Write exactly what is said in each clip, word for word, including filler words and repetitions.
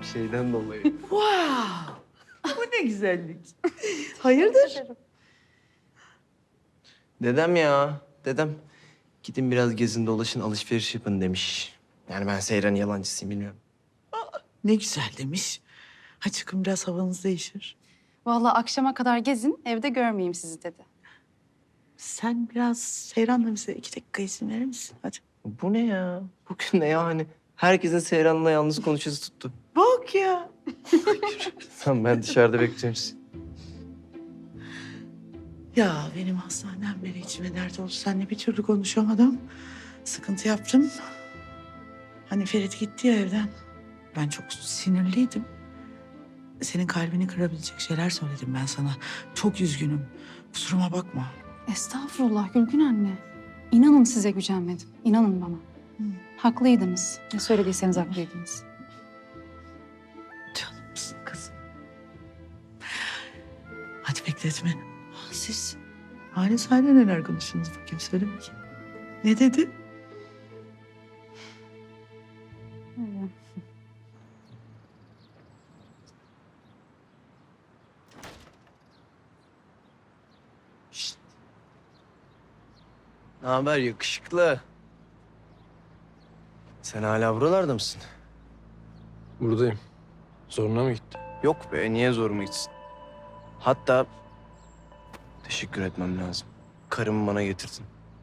şeyden dolayı. Wow! Bu ne güzellik. Hayırdır? Dedem ya, dedem. Gidin biraz gezin dolaşın, alışveriş yapın demiş. Yani ben Seyran'ın yalancısıyım, bilmiyorum. Ne güzel demiş. Ha çıkın biraz havanız değişir. Vallahi akşama kadar gezin, evde görmeyeyim sizi dedi. Sen biraz Seyran'la bize iki dakika izin verir misin? Hadi. Bu ne ya? Bugün ne yani? Herkesin Seyran'la yalnız konuşası tuttu. Bak ya. Tamam, ben dışarıda bekliyorum sizi. Ya benim hastaneden beri içime dert oldu. Seninle bir türlü konuşamadım. Sıkıntı yaptım. Hani Ferit gitti ya evden. Ben çok sinirliydim. Senin kalbini kırabilecek şeyler söyledim ben sana. Çok üzgünüm. Kusuruma bakma. Estağfurullah Gülgün anne. İnanın size gücenmedim. İnanın bana. Haklıydınız. Ne söylediyseniz haklıydınız. Canımsın kızım. Hadi bekletme. Ha, siz Halis Hayri neler konuştunuz bakayım söyle bakayım. Ne dedi? Öyle. Şşt. Ne haber yakışıklı? Sen hala buralarda mısın? Buradayım. Zoruna mı gitti? Yok be, niye zoruma gitsin? Hatta teşekkür etmem lazım. Karımı bana getirdin.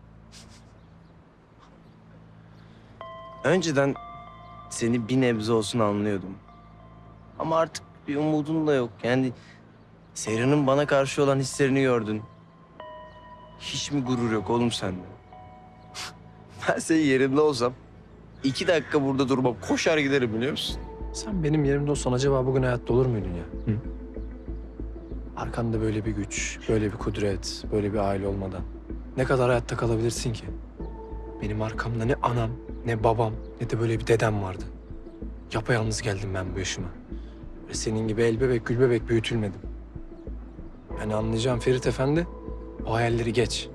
Önceden seni bir nebze olsun anlıyordum. Ama artık bir umudun da yok. Yani Seyran'ın bana karşı olan hislerini gördün. Hiç mi gurur yok oğlum sende? Ben senin yerinde olsam iki dakika burada durmam. Koşar giderim, biliyor musun? Sen benim yerimde olsan acaba bugün hayatta olur muydun ya? Hı? Arkanda böyle bir güç, böyle bir kudret, böyle bir aile olmadan ne kadar hayatta kalabilirsin ki? Benim arkamda ne anam, ne babam, ne de böyle bir dedem vardı. Yapayalnız geldim ben bu yaşıma. Ve senin gibi el bebek, gül bebek büyütülmedim. Yani anlayacağım Ferit Efendi, o hayalleri geç.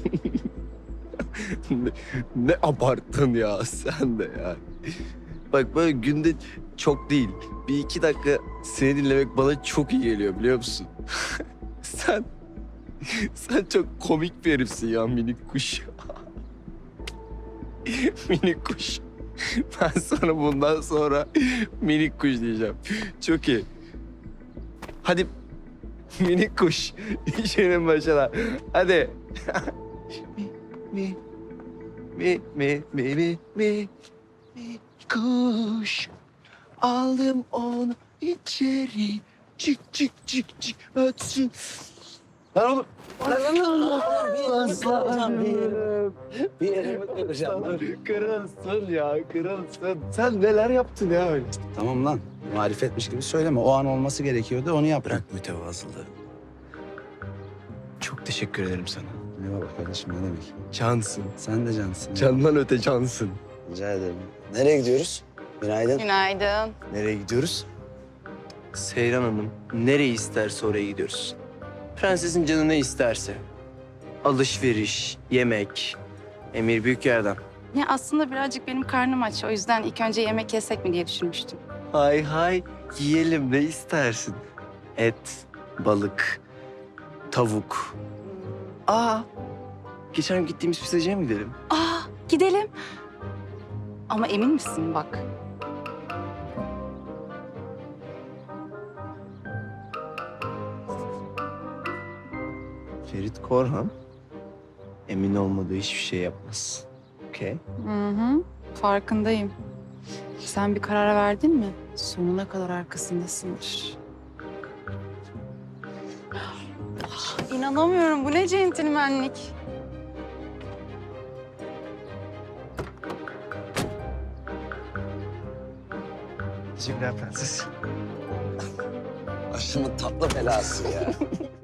ne, ne abarttın ya sen de ya. Bak böyle günde çok değil. Bir iki dakika seni dinlemek bana çok iyi geliyor, biliyor musun? sen sen çok komik bir herifsin ya, minik kuş. Minik kuş. Ben sana bundan sonra minik kuş diyeceğim. Çok iyi. Hadi minik kuş. İşinin başına. Hadi. mi, mi, mi, mi, mi, mi, mi, mi, kuş. Aldım onu içeri. Çık çık çık çık ötsün. Lan oğlum. Aslanım. Bir yerimi kıracağım. Kırılsın ya, kırılsın. Sen neler yaptın ya öyle? Tamam lan. Marifetmiş gibi söyleme. O an olması gerekiyordu. Onu yap. Bırak mütevazılığı. Çok teşekkür ederim sana. Eyvallah kardeşim, ne demek. Cansın. Sen de cansın. Candan öte cansın. Rica ederim. Nereye gidiyoruz? Günaydın. Günaydın. Nereye gidiyoruz? Seyran Hanım nereyi isterse oraya gidiyoruz. Prensesin canı ne isterse. Alışveriş, yemek, emir büyük yerden. Ya aslında birazcık benim karnım aç. O yüzden ilk önce yemek yesek mi diye düşünmüştüm. Hay hay, yiyelim, ne istersin? Et, balık, tavuk. Aa, geçen gittiğimiz pizzacıya mı gidelim? Aa, gidelim. Ama emin misin bak? Ferit Korhan emin olmadığı hiçbir şey yapmaz. Okey? Hı hı, farkındayım. Sen bir karar verdin mi? Sonuna kadar arkasındasındır. İnanamıyorum. Bu ne centilmenlik. Teşekkürler prenses. Başımın tatlı belası ya.